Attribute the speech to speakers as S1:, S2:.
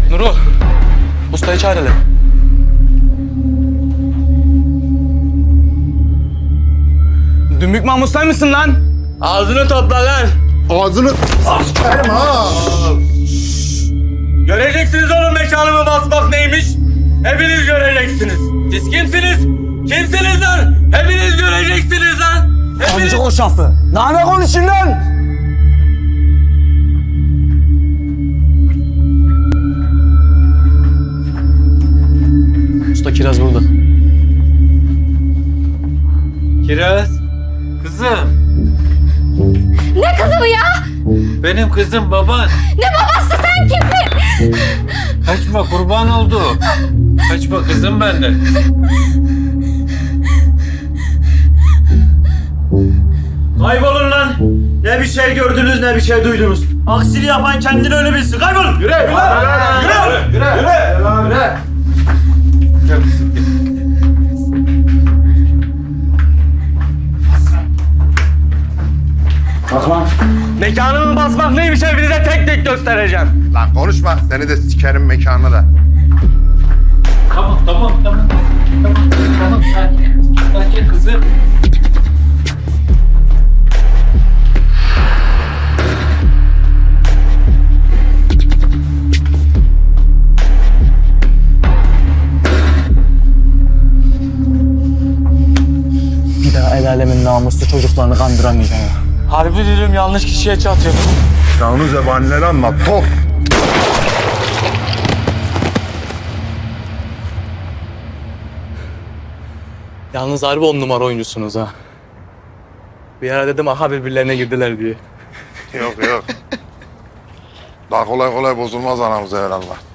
S1: Nurul, ustayı çağır hele. Dümbük Mahmut sen misin lan? Ağzını topla lan.
S2: Ağzını s**erim ha.
S1: Göreceksiniz oğlum mekanımı basmak neymiş. Hepiniz göreceksiniz. Siz kimsiniz? Kimsiniz lan? Hepiniz göreceksiniz lan. Hepiniz...
S3: Amca o şafı. Ne konuşun lan?
S1: Usta Kiraz burada.
S4: Kiraz, kızım.
S5: Ne kızı bu ya?
S4: Benim kızım baban.
S5: Ne babası, sen kimsin?
S4: Kaçma kurban oldu. Kaçma kızım benden.
S3: Kaybolun lan. Ne bir şey gördünüz ne bir şey duydunuz. Aksini yapan kendini öyle bilsin. Kaybolun. Yürü.
S4: Gel kızım, gel.
S1: Mekanımı basmak neymiş hepinize tek tek göstereceğim.
S2: Lan konuşma. Seni de sikerim mekanını da.
S4: Tamam. Tamam, sakin. Sakin kızım.
S3: Bir daha el alemin namuslu çocuklarını kandıramayacağım ya.
S1: Harbi diyorum yanlış kişiye çatıyor.
S2: Sen onu zebanileri anlat. Top.
S1: Yalnız harbi 10 numara oyuncusunuz ha. Bir ara dedim aha birbirlerine girdiler diye.
S2: Yok. Daha kolay bozulmaz anamız evvelallah.